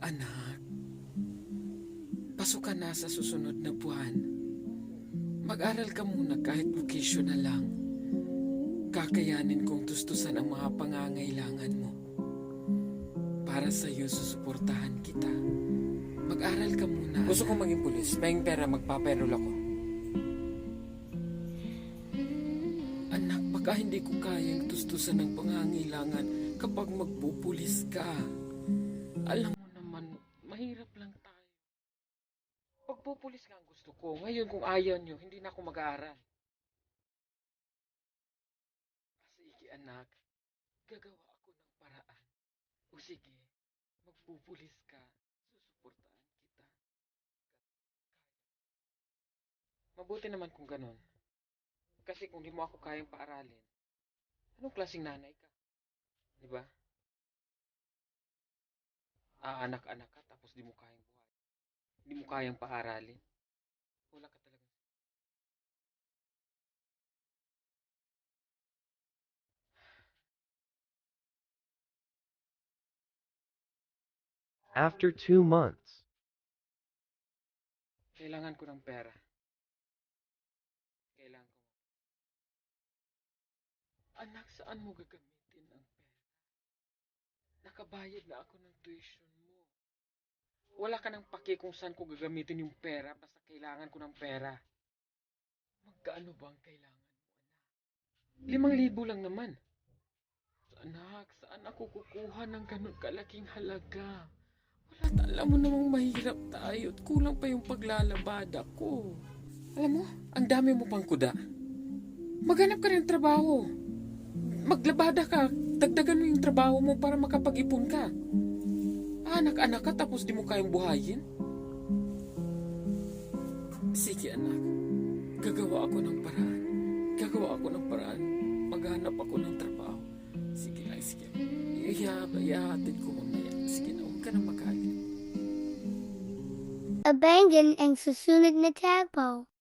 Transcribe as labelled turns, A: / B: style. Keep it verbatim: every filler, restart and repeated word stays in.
A: Anak, pasok ka na sa susunod na buwan. Mag-aral ka muna kahit vocational lang. Kakayanin kong tustusan ang mga pangangailangan mo. Para sa iyo, susuportahan kita. Mag-aral ka muna.
B: Gusto kong maging pulis. Maying pera, magpaperol ako.
A: Anak, baka hindi ko kayang tustusan ng pangangailangan kapag magpupulis ka. Alam mo naman, mahirap lang tayo. Pagpupulis nga ang gusto ko. Ngayon kung ayaw nyo, hindi na ako mag-aaral. Sige anak, gagawa ako ng paraan. O sige, magpupulis ka, susuportahan kita. Mabuti naman kung ganun. Kasi kung di mo ako kayang paaralin, anong klaseng nanay ka? Di ba? Aanak-anak ka tapos di mo kayang buhay. Di mo kayang paaralin. Wala ka talaga.
C: After two months,
A: Kailangan ko ng pera. Kailangan ko. Anak, saan mo gagamitin ang pera? Nakabayad na ako ng tuition mo. Wala ka nang pake kung saan ko gagamitin yung pera basta kailangan ko ng pera. Magkaano ba ang kailangan mo, anak? Limang libo lang naman. Anak, saan ako kukuha ng ganun kalaking halaga? Wala, alam mo namang mahirap tayo at kulang pa yung paglalabada ko. Alam mo, ang dami mo pang kuda. Maghanap ka ng trabaho. Maglabada ka, dagdagan mo yung trabaho mo para makapag-ipon ka. Anak-anak ka tapos di mo kayang buhayin? Sige anak, gagawa ako ng paraan. Gagawa ako ng paraan. Maghanap ako ng trabaho. Sige na, sige. Iyahatid ko mamaya. Sige na, huwag ka na makalit.
D: Abangan ang susunod na tagpo.